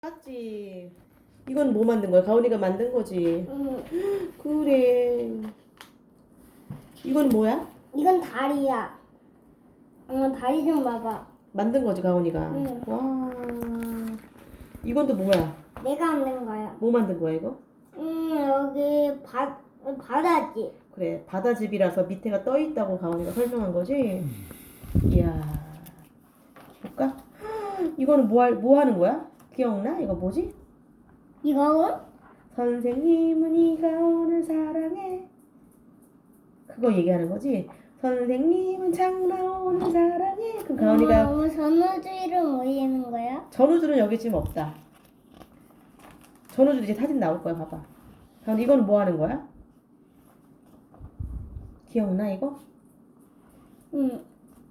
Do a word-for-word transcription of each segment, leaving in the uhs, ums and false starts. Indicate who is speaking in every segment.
Speaker 1: 맞지? 이건 뭐 만든 거야? 가온이가 만든 거지?
Speaker 2: 응.
Speaker 1: 그래. 이건 뭐야?
Speaker 2: 이건 다리야. 응, 다리 좀 봐봐.
Speaker 1: 만든 거지, 가온이가.
Speaker 2: 응.
Speaker 1: 와. 이건 또 뭐야?
Speaker 2: 내가 만든 거야.
Speaker 1: 뭐 만든 거야, 이거?
Speaker 2: 응, 여기 바, 바다지.
Speaker 1: 그래, 바다집이라서 밑에가 떠 있다고 가온이가 설명한 거지? 이야. 볼까? 이거는 뭐, 할, 뭐 하는 거야? 기억나? 이거 뭐지?
Speaker 2: 이거는?
Speaker 1: 선생님은 이 가온을 사랑해. 그거 얘기하는 거지? 선생님은 장나온을 사랑해. 그럼 가온이가
Speaker 2: 엄마, 전우주의를 뭐 얘기하는 거야?
Speaker 1: 전우줄은 여기 지금 없다. 전우줄 이제 사진 나올 거야. 봐봐. 가온 이건 뭐 하는 거야? 기억나 이거?
Speaker 2: 응.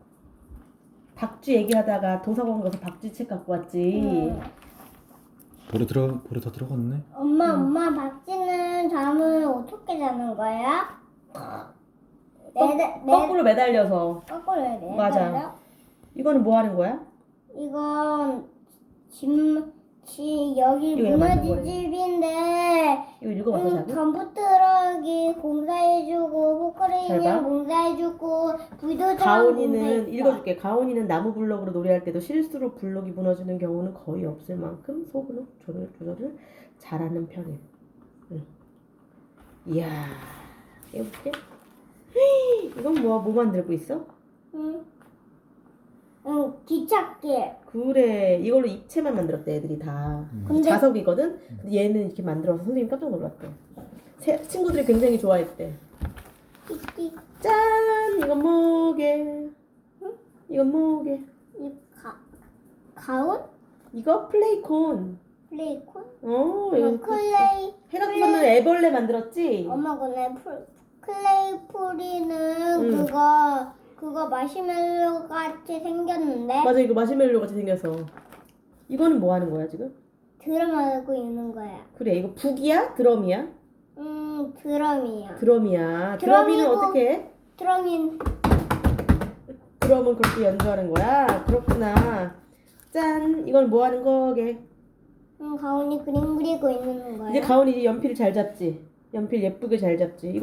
Speaker 1: 박쥐 얘기하다가 도서관 가서 박쥐 책 갖고 왔지.
Speaker 2: 응.
Speaker 3: 볼에 들어 볼에 다 들어갔네.
Speaker 2: 엄마, 엄마, 박쥐는 잠을 어떻게 자는 거야? 매달, 매,
Speaker 1: 거꾸로 매달려서.
Speaker 2: 거꾸로 해야 돼.
Speaker 1: 맞아. 이거는 뭐 하는 거야?
Speaker 2: 이건 집, 집 여기
Speaker 1: 이거 얘가 만든
Speaker 2: 무너진 집인데
Speaker 1: 이거 읽어봤어
Speaker 2: 응,
Speaker 1: 자기?
Speaker 2: 덤프 트럭이 공사해주고
Speaker 1: 잘 봐.
Speaker 2: 포크레인이 공사해주고 불도저랑
Speaker 1: 가온이는
Speaker 2: 공사했어.
Speaker 1: 읽어줄게. 가온이는 나무 블럭으로 노래할 때도 실수로 블럭이 무너지는 경우는 거의 없을 만큼 속으로 조절, 조절을 잘하는 편임. 응. 이야, 이거 볼게. 이건 뭐, 뭐 만들고 있어?
Speaker 2: 응. 응, 기찻길.
Speaker 1: 그래, 이걸로 입체만 만들었대 애들이 다.
Speaker 2: 근데-
Speaker 1: 자석이거든? 근데 얘는 이렇게 만들어서 선생님이 깜짝 놀랐대. 새, 친구들이 굉장히 좋아했대.
Speaker 2: 띠띠.
Speaker 1: 짠! 이건 뭐게? 이건 뭐게?
Speaker 2: 이 가, 가운?
Speaker 1: 이거 플레이콘.
Speaker 2: 플레이콘?
Speaker 1: 어,
Speaker 2: 이거
Speaker 1: 이거
Speaker 2: 클레이.
Speaker 1: 해가 뜨면 애벌레 만들었지?
Speaker 2: 엄마 근데 풀, 클레이 풀이는
Speaker 1: 응.
Speaker 2: 그거 그거 마시멜로 같이 생겼는데
Speaker 1: 맞아, 이거 마시멜로 같이 생겨서. 이거는 뭐 하는 거야, 지금?
Speaker 2: 드럼하고 있는 거야.
Speaker 1: 그래, 이거 북이야? 드럼이야?
Speaker 2: 음, 드럼이야.
Speaker 1: 드럼이야. 드럼이는
Speaker 2: 드럼이고-
Speaker 1: 어떻게 해?
Speaker 2: 드럼인
Speaker 1: 드럼은 그렇게 연주하는 거야? 그렇구나. 짠! 이건 뭐 하는 거게?
Speaker 2: 음, 가온이 그림 그리고 있는 거야.
Speaker 1: 이제 가온이 이제 연필을 잘 잡지? 연필 예쁘게 잘 잡지?